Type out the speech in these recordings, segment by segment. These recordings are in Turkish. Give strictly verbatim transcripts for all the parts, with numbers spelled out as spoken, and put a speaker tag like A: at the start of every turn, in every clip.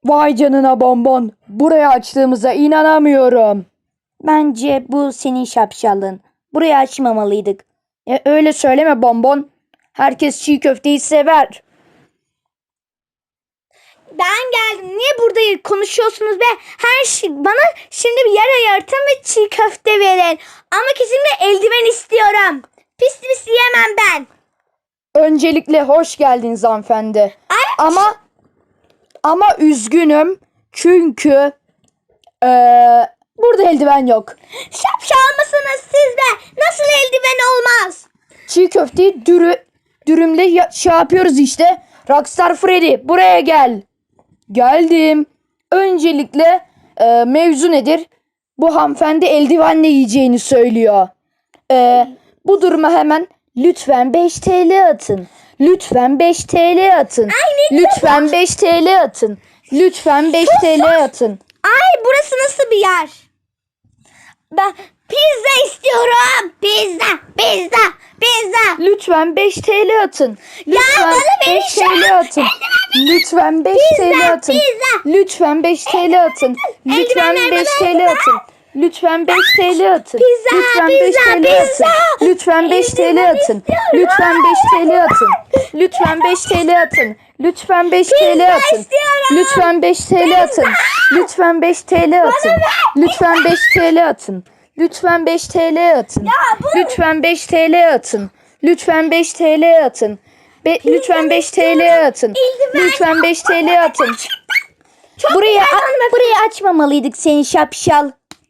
A: Vay canına bonbon. Buraya açtığımıza inanamıyorum.
B: Bence bu senin şapşallığın. Burayı açmamalıydık.
A: E, öyle söyleme bonbon. Herkes çiğ köfteyi sever.
B: Ben geldim. Niye burada konuşuyorsunuz be? Her şey bana şimdi bir yer ayartın ve çiğ köfte verin. Ama kesinlikle eldiven istiyorum. Pis pis yiyemem ben.
A: Öncelikle hoş geldiniz hanımefendi.
B: Ay.
A: Ama ama üzgünüm çünkü eee, burada eldiven yok.
B: Şapşal mısınız siz be? Nasıl eldiven olmaz?
A: Çiğ köfteyi dürü, dürümle ya- şey yapıyoruz işte. Rockstar Freddy buraya gel. Geldim. Öncelikle eee, mevzu nedir? Bu hanımefendi eldivenle yiyeceğini söylüyor. Eee, bu duruma hemen lütfen beş T L atın. Lütfen beş T L atın.
B: Ay, ne
A: Lütfen beş T L atın. Lütfen beş T L atın.
B: Ay burası nasıl bir yer? Ben pizza istiyorum. Pizza, pizza, pizza.
A: Lütfen beş T L atın. Lütfen
B: bana verin
A: beş
B: şu
A: T L atın. Lütfen beş T L atın.
B: pizza.
A: Lütfen beş T L atın. Lütfen
B: eldivenler
A: beş
B: bana,
A: T L atın. Lütfen beş T L atın.
B: Pizza,
A: Lütfen
B: pizza,
A: beş T L
B: pizza.
A: atın. Lütfen beş T L atın. Lütfen beş T L atın. Lütfen beş T L atın. Lütfen beş T L atın.
B: istiyorum.
A: Lütfen beş T L atın. Lütfen beş T L atın. Lütfen beş T L atın. Lütfen beş T L atın. Lütfen beş T L atın. Lütfen beş T L atın. Be- lütfen beş T L atın. Lütfen beş T L atın.
B: Burayı, a- burayı açmamalıydık senin şapşal.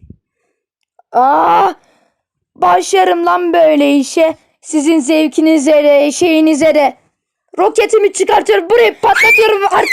A: Aa! Başlarım lan böyle işe. Sizin zevkinize de, şeyinize de. Roketimi çıkartıyorum, burayı patlatıyorum artık.